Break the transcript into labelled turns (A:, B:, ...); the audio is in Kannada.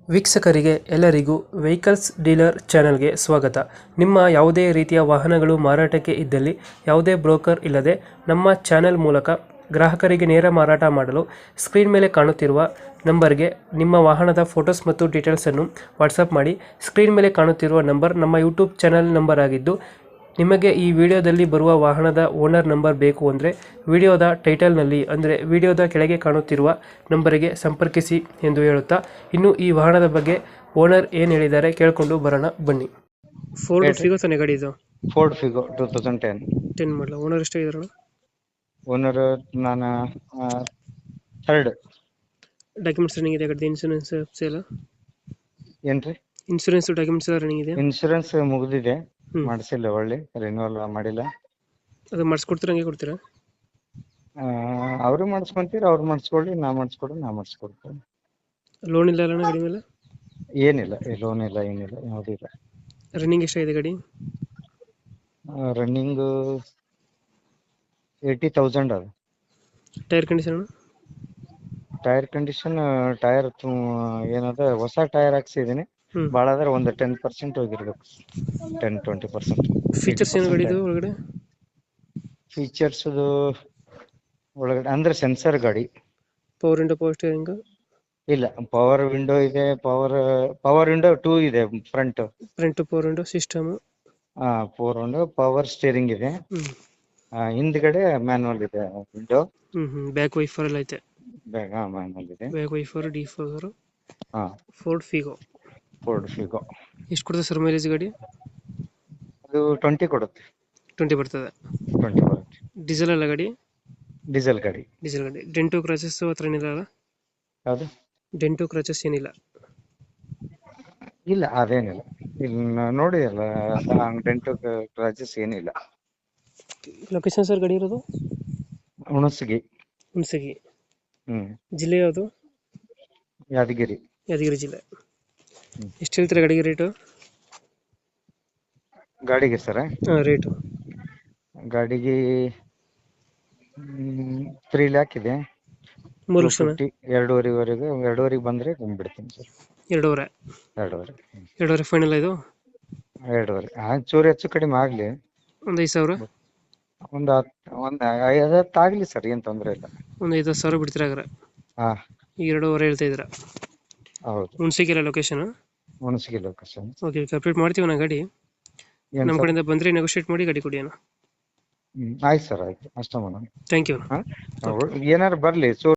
A: ವೀಕ್ಷಕರಿಗೆ ಎಲ್ಲರಿಗೂ ವೆಹಿಕಲ್ಸ್ ಡೀಲರ್ ಚಾನೆಲ್ಗೆ ಸ್ವಾಗತ. ನಿಮ್ಮ ಯಾವುದೇ ರೀತಿಯ ವಾಹನಗಳು ಮಾರಾಟಕ್ಕೆ ಇದ್ದಲ್ಲಿ ಯಾವುದೇ ಬ್ರೋಕರ್ ಇಲ್ಲದೆ ನಮ್ಮ ಚಾನೆಲ್ ಮೂಲಕ ಗ್ರಾಹಕರಿಗೆ ನೇರ ಮಾರಾಟ ಮಾಡಲು ಸ್ಕ್ರೀನ್ ಮೇಲೆ ಕಾಣುತ್ತಿರುವ ನಂಬರ್ಗೆ ನಿಮ್ಮ ವಾಹನದ ಫೋಟೋಸ್ ಮತ್ತು ಡೀಟೇಲ್ಸನ್ನು ವಾಟ್ಸಪ್ ಮಾಡಿ. ಸ್ಕ್ರೀನ್ ಮೇಲೆ ಕಾಣುತ್ತಿರುವ ನಂಬರ್ ನಮ್ಮ ಯೂಟ್ಯೂಬ್ ಚಾನೆಲ್ ನಂಬರ್ ಆಗಿದ್ದು, ನಿಮಗೆ ಈ ವಿಡಿಯೋದಲ್ಲಿ ಬರುವ ವಾಹನದ ಓನರ್ ನಂಬರ್ ಬೇಕು ಅಂದರೆ ವಿಡಿಯೋದ ಟೈಟಲ್ನಲ್ಲಿ ಅಂದರೆ ವಿಡಿಯೋದ ಕೆಳಗೆ ಕಾಣುತ್ತಿರುವ ನಂಬರಿಗೆ ಸಂಪರ್ಕಿಸಿ ಎಂದು ಹೇಳುತ್ತಾ, ಇನ್ನು ಈ ವಾಹನದ ಬಗ್ಗೆ ಓನರ್ ಏನು ಹೇಳಿದ್ದಾರೆ ಕೇಳಿಕೊಂಡು ಬರೋಣ ಬನ್ನಿ. ಫೋರ್ಡ್
B: ಹೇಳ್ರಿ.
A: ಫಿಗೋ ತಾನೇ ಗಾಡಿ ಇದು?
B: Ford Figo 2010.
A: 10 ಮಾಡಲ. ಓನರ್ ಎಷ್ಟಾಗಿದಾರಣ?
B: ಓನರ್ ನಾನು ಥರ್ಡ್.
A: ಡಾಕ್ಯುಮೆಂಟ್ಸ್ ರನ್ನಿಂಗ್ ಇದೆ ಗಾಡಿ? ಇನ್ಸೂರೆನ್ಸ್ ಸೇಲ?
B: ಏನ್ರಿ?
A: ಇನ್ಸೂರೆನ್ಸ್ ಡಾಕ್ಯುಮೆಂಟ್ಸ್ ಎಲ್ಲ ರನ್ನಿಂಗ್ ಇದೆ?
B: ಇನ್ಶೂರೆನ್ಸ್ ಮುಗ್ದಿದೆ,
A: ಹ್ಮ್.
B: ಮಾಡಿಸಿಲ್ಲ, ಒಳ್ಳೆ ರಿನ್ಯೂವಲ್ ಮಾಡಿಲ್ಲ.
A: ಅದು ಮಾಡಿಸ್ಕೊಡ್ತೀರ, ಹಂಗೆ ಕೊಡ್ತೀರಾ?
B: ಅವರು ಮಾಡಿಸ್ಕೊಂತೀರಿ, ಅವ್ರು ಮಾಡಿಸ್ಕೊಳ್ಳಿ, ನಾ ಮಾಡಿಸ್ಕೊಡ್ತೀನಿ.
A: ಲೋನ್ ಇಲ್ಲ ಅಲ್ಲಣ್ಣ ಗಾಡಿ ಮೇಲೆ?
B: ಏನಿಲ್ಲ, ಲೋನ್ ಇಲ್ಲ, ಏನಿಲ್ಲ, ಯಾವುದೂ ಇಲ್ಲ.
A: ರನ್ನಿಂಗ್ ಎಷ್ಟಾಗಿದೆ ಗಾಡಿ?
B: ರನ್ನಿಂಗ್ 80,000 ಅದು.
A: Tyre condition?
B: Tyre condition, tyre ಏನದ ಹೊಸ ಟೈರ್ ಹಾಕ್ಸಿದೀನಿ.
A: ಹ್ಮ್.
B: ಭಾಳ ಆದ್ರೆ ಒಂದು 10% ಹೋಗಿರ್ಬೇಕು, 10-20%.
A: ಫೀಚರ್ಸ್ ಏನು ಗಾಡಿದು ಒಳಗಡೆ?
B: ಫೀಚರ್ಸ್ ಒಳಗಡೆ ಅಂದ್ರೆ ಸೆನ್ಸರ್ ಗಾಡಿ.
A: Power window, power steering?
B: ಇಲ್ಲ, ಪವರ್ ವಿಂಡೋ ಇದೆ, ಪವರ್ ವಿಂಡೋ 2 ಇದೆ front.
A: Front power window system?
B: Power window, power steering ಇದೆ.
A: ಹ್ಮ್.
B: ಹಿಂದ್ಗಡೆ ಮ್ಯಾನುವಲ್ ಇದೆ ವಿಂಡೋ.
A: ಬ್ಯಾಕ್ ವೈಫರ್ ಎಲ್ಲ ಐತೆ?
B: ಬ್ಯಾಗ್ ಮ್ಯಾನುವಲ್ ಇದೆ.
A: Back wiper, defogger.
B: ಹಾ,
A: ಫೋರ್ಡ್ ಫಿಗೋ.
B: Ford Figo.
A: ಎಷ್ಟು ಕೊಡುತ್ತೆ ಸರ್ ಮೈಲೇಜ್ ಗಾಡಿ?
B: ಅದು 20 ಕೊಡುತ್ತೆ.
A: 20 ಬರ್ತದೆ.
B: 20 ಬರುತ್ತೆ.
A: ಡೀಸೆಲ್ ಅಲ್ಲ ಗಾಡಿ?
B: ಡೀಸೆಲ್ ಗಾಡಿ.
A: ಡೀಸೆಲ್ ಗಾಡಿ. ಡೆಂಟು ಕ್ರಾಚಸ್ ಹತ್ರ ಏನಿಲ್ಲ ಅಲ್ಲ?
B: ಯಾವುದು?
A: ಡೆಂಟು ಕ್ರಾಚಸ್ ಏನಿಲ್ಲ?
B: ಇಲ್ಲ, ಅದೇನಿಲ್ಲ. ಇಲ್ಲಿ ನೋಡಿ ಅಲ್ಲ, ಡೆಂಟು ಕ್ರಾಚಸ್ ಏನಿಲ್ಲ.
A: ಲೊಕೇಶನ್ ಸರ್ ಗಾಡಿ ಇರೋದು?
B: ಹುಣಸಗಿ.
A: ಹುಣಸಗಿ.
B: ಹ್ಮ್.
A: ಜಿಲ್ಲೆ ಯಾವುದು?
B: ಯಾದಗಿರಿ.
A: ಯಾದಗಿರಿ ಜಿಲ್ಲೆ.
B: ಹ್ಮ್.
A: ಎಷ್ಟು ಹೇಳ್ತೀರಾ ಗಾಡಿಗೆ ರೇಟು?
B: ಗಾಡಿಗೆ ಸರ?
A: ರೇಟು
B: ಗಾಡಿಗೆ 3 lakh ಇದೆ.
A: 3 ಲಕ್ಷ?
B: 250, 2.5 ಬಂದ್ರೆ ಬಿಡ್ತೀನಿ ಸರ್.
A: 2.5?
B: 2.5.
A: 2.5 ಫೈನಲ್ ಇದು?
B: 2.5 ಚೂರು ಹೆಚ್ಚು ಕಡಿಮೆ ಆಗ್ಲಿ.
A: ಒಂದು 5,000?
B: ಒಂದು 5 ಆಗ್ಲಿ ಸರ್, ಏನ್ ತೊಂದ್ರೆ ಇಲ್ಲ.
A: ಒಂದು 5,000 ಬಿಡ್ತೀರಾ ಹಾಗಾದ್ರೆ?
B: ಹಾ,
A: ಈಗ 2.5 ಹೇಳ್ತಾ ಇದ್ದೀರಾ?
B: ಹೌದು.
A: ಹುಣಸಗಿಲ್ಲ location?
B: Hunasagi location.
A: Okay, complete ಮಾಡ್ತೀವಿ ನಾ ಗಾಡಿ.
B: ಏನ್
A: ನಮ್ಮ
B: ಸರ್?
A: ಕಡೆಯಿಂದ ಬಂದರೆ ನೆಗೋಷಿಯೇಟ್ ಮಾಡಿ ಗಾಡಿ ಕೊಡಿ ಅಣ್ಣ.
B: ಆಯ್ತು ಸರ್, ಆಯ್ತು, ಅಷ್ಟ ಮಾಡೋಣ.
A: Thank you.
B: ಏನಾರು ಬರ್ಲಿ.